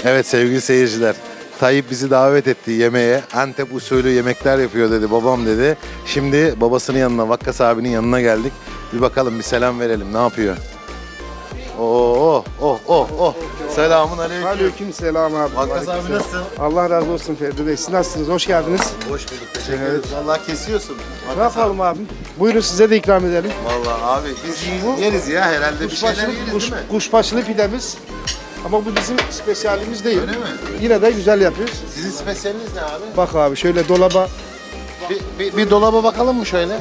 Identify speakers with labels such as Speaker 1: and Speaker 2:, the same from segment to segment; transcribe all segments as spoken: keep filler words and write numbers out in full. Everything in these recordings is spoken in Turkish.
Speaker 1: Evet sevgili seyirciler, Tayyip bizi davet etti yemeğe. Antep usulü yemekler yapıyor dedi, babam dedi. Şimdi babasının yanına, Vakkas abinin yanına geldik. Bir bakalım, bir selam verelim, ne yapıyor? Oh oh oh oh. Selamun aleyküm.
Speaker 2: Aleyküm selam abi.
Speaker 1: Vakkas abi nasılsın?
Speaker 2: Allah razı olsun Ferdi Bey. Siz nasılsınız? Hoş geldiniz.
Speaker 1: Hoş bulduk, teşekkür ederiz. Vallahi kesiyorsun.
Speaker 2: Ne yapalım abi? Buyurun size de ikram edelim.
Speaker 1: Vallahi abi biz yeriz ya herhalde, bir şeyler
Speaker 2: Kuşbaşılı,
Speaker 1: yeriz
Speaker 2: kuş,
Speaker 1: değil mi?
Speaker 2: kuşbaşılı pidemiz. Ama bu bizim spesiyalimiz değil.
Speaker 1: Öyle mi?
Speaker 2: Yine de güzel yapıyoruz.
Speaker 1: Sizin spesiyeliniz ne abi?
Speaker 2: Bak abi şöyle dolaba.
Speaker 1: Bir, bir, bir dolaba bakalım mı şöyle?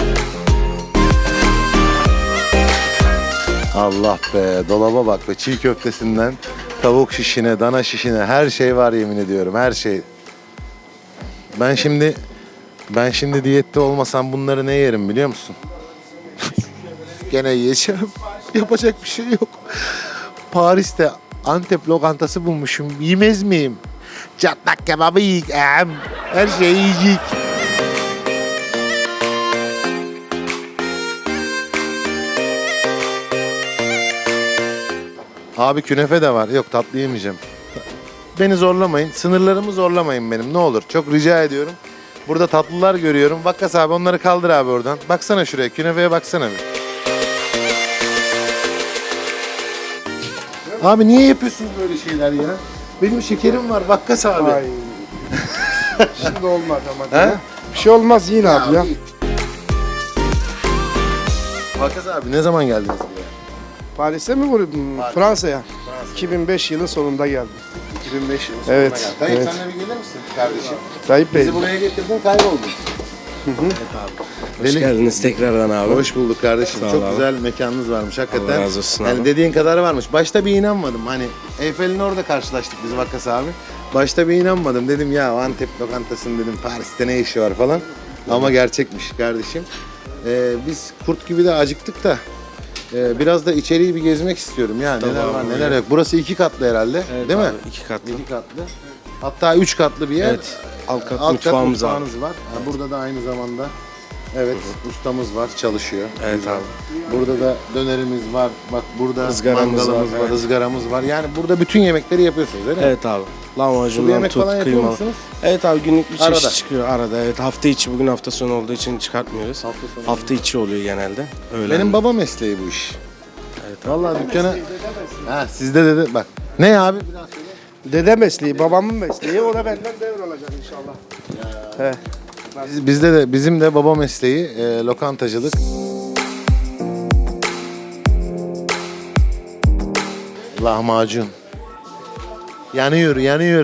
Speaker 1: Allah be, dolaba bak be, çiğ köftesinden tavuk şişine, dana şişine her şey var, yemin ediyorum, her şey. Ben şimdi ben şimdi diyette olmasam bunları ne yerim biliyor musun? Gene yiyeceğim. Yapacak bir şey yok. Paris'te Antep lokantası bulmuşum. Yemez miyim? Çatlak kebabı yiyeceğim. Her şeyi yiyecek. Abi künefe de var. Yok, tatlı yemeyeceğim. Beni zorlamayın. Sınırlarımı zorlamayın benim. Ne olur. Çok rica ediyorum. Burada tatlılar görüyorum. Vakkas abi, onları kaldır abi oradan. Baksana şuraya. Künefeye baksana bir. Abi niye yapıyorsunuz böyle şeyler ya? Benim şekerim var Vakkas abi.
Speaker 2: Ay. Şimdi olmadı ama.
Speaker 1: He?
Speaker 2: He? Bir şey olmaz yine abi ya.
Speaker 1: Vakkas abi ne zaman geldiniz buraya?
Speaker 2: Paris'e mi vurdun? Fransa'ya. iki bin beş yılın sonunda geldim.
Speaker 1: iki bin beş yılı sonuna
Speaker 2: Evet,
Speaker 1: geldi. Tayyip
Speaker 2: evet.
Speaker 1: sen de bir gelir misin kardeşim?
Speaker 2: Tayyip Bey.
Speaker 1: Bizi buraya getirdin, kayboldun.
Speaker 3: Hoş
Speaker 1: Deli-
Speaker 3: geldiniz tekrardan abi.
Speaker 1: Hoş bulduk kardeşim.
Speaker 3: Sağ ol
Speaker 1: Çok
Speaker 3: abi.
Speaker 1: güzel mekanınız varmış hakikaten.
Speaker 3: Allah razı olsun
Speaker 1: Yani
Speaker 3: abi.
Speaker 1: dediğin kadar varmış. Başta bir inanmadım. Hani Eyfel'in orada karşılaştık biz Vakkas abi. Başta bir inanmadım. Dedim ya, o Antep lokantasının dedim Paris'te ne işi var falan. Ama gerçekmiş kardeşim. Ee, biz kurt gibi de acıktık da e, biraz da içeriği bir gezmek istiyorum ya. Neler
Speaker 3: Tamam
Speaker 1: var
Speaker 3: abi.
Speaker 1: neler yok. Burası iki katlı herhalde.
Speaker 3: Evet
Speaker 1: değil
Speaker 3: abi,
Speaker 1: mi?
Speaker 3: İki katlı.
Speaker 1: İki katlı. Hatta üç katlı bir yer.
Speaker 3: Evet. Alt kat
Speaker 1: Alt kat
Speaker 3: mutfağımız abi.
Speaker 1: mutfağınız var. Ha, burada da aynı zamanda evet ustamız var, çalışıyor.
Speaker 3: Evet
Speaker 1: Güzel.
Speaker 3: abi.
Speaker 1: Burada da dönerimiz var. Bak burada
Speaker 3: Izgaramız
Speaker 1: mangalımız
Speaker 3: var,
Speaker 1: var,
Speaker 3: evet.
Speaker 1: ızgaramız var. Yani burada bütün yemekleri yapıyorsunuz öyle mi?
Speaker 3: Evet abi.
Speaker 1: Sulu
Speaker 3: Lahmacundan
Speaker 1: yemek
Speaker 3: tut,
Speaker 1: falan yapıyor
Speaker 3: kıymalı.
Speaker 1: musunuz?
Speaker 3: Evet abi, günlük bir çeşit
Speaker 1: Arada.
Speaker 3: çıkıyor arada. Evet, hafta içi, bugün hafta sonu olduğu için çıkartmıyoruz.
Speaker 1: Hafta sonu.
Speaker 3: Hafta içi oluyor genelde. Öyle.
Speaker 1: Benim baba mesleği bu iş.
Speaker 3: Evet abi.
Speaker 1: Vallahi dükkana... Ha, sizde de bak. Ne abi? Biraz söyle.
Speaker 2: Dede mesleği, babamın mesleği. O da benden devralacak inşallah. He.
Speaker 1: Biz, bizde de bizim de baba mesleği e, lokantacılık. Lahmacun. Yanıyor, yanıyor.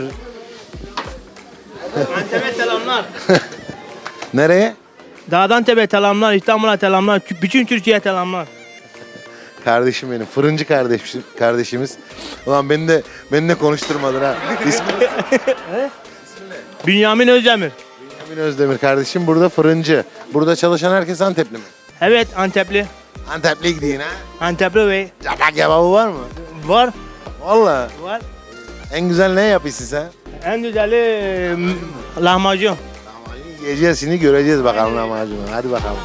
Speaker 4: Antep'e selamlar.
Speaker 1: Nereye?
Speaker 4: Dağdan Tepe selamlar, İstanbul'a selamlar, bütün Türkiye'ye selamlar.
Speaker 1: Kardeşim benim, fırıncı kardeşim, kardeşimiz. Ulan beni de beni de konuşturmadın ha. İsmi
Speaker 4: Bünyamin Özdemir.
Speaker 1: Emin Özdemir kardeşim, burada fırıncı. Burada çalışan herkes Antepli mi?
Speaker 4: Evet, Antepli.
Speaker 1: Antepli gidiyin ha.
Speaker 4: Antepli Bey.
Speaker 1: Çatak kebabı var mı?
Speaker 4: Var,
Speaker 1: Vallahi.
Speaker 4: var.
Speaker 1: En güzel ne yapıyorsun sen?
Speaker 4: En güzeli e, lahmacun.
Speaker 1: Lahmacun yiyeceğiz, şimdi göreceğiz bakalım lahmacunu. Hadi bakalım.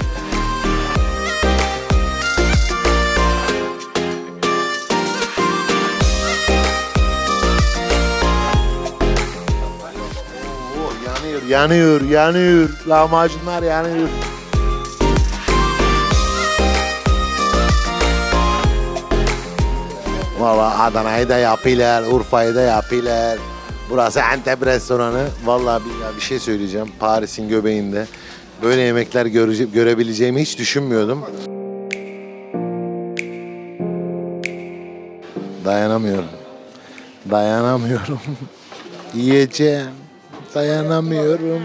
Speaker 1: Oo, yanıyor, yanıyor, yanıyor. Lahmacunlar yanıyor. Valla Adana'yı da yapıyorlar, Urfa'yı da yapıyorlar. Burası Antep restoranı. Vallahi billahi bir şey söyleyeceğim. Paris'in göbeğinde böyle yemekler görece- görebileceğimi hiç düşünmüyordum. Dayanamıyorum. Dayanamıyorum. Yiyeceğim. Dayanamıyorum.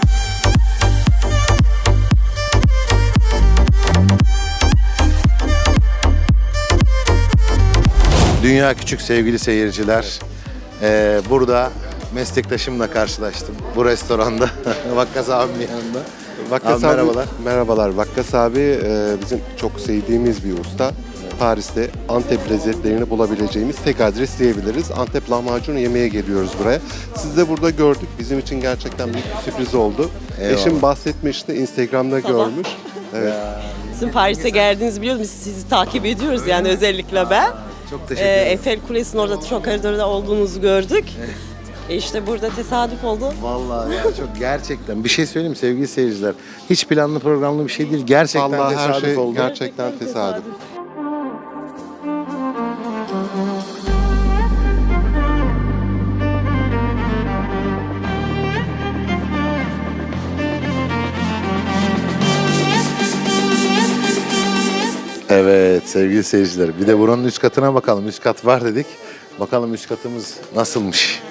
Speaker 1: Dünya küçük sevgili seyirciler. Ee, burada meslektaşımla karşılaştım. Bu restoranda. Vakkas abimin yanında.
Speaker 5: Vakkas
Speaker 1: Abi,
Speaker 5: abi,
Speaker 1: merhabalar.
Speaker 5: merhabalar. Vakkas abi e, bizim çok sevdiğimiz bir usta. Paris'te Antep lezzetlerini bulabileceğimiz tek adres diyebiliriz. Antep lahmacunu yemeye geliyoruz buraya. Siz de burada gördük. Bizim için gerçekten büyük bir sürpriz oldu.
Speaker 1: Eyvallah.
Speaker 5: Eşim bahsetmişti, Instagram'da görmüş. Evet.
Speaker 6: Sizin Paris'e geldiğinizi biliyoruz. Biz sizi takip ediyoruz yani özellikle ben.
Speaker 1: Çok teşekkür
Speaker 6: Ee,
Speaker 1: ederim.
Speaker 6: Eiffel Kulesi'nin orada şu koridorda olduğumuzu gördük. E işte burada tesadüf oldu.
Speaker 1: Vallahi ya çok gerçekten bir şey söyleyeyim mi sevgili seyirciler. Hiç planlı programlı bir şey değil. Gerçekten
Speaker 5: Vallahi her
Speaker 1: tesadüf
Speaker 5: şey
Speaker 1: oldu.
Speaker 5: gerçekten tesadüf.
Speaker 1: Evet sevgili seyirciler. Bir de buranın üst katına bakalım. Üst kat var dedik. Bakalım üst katımız nasılmış.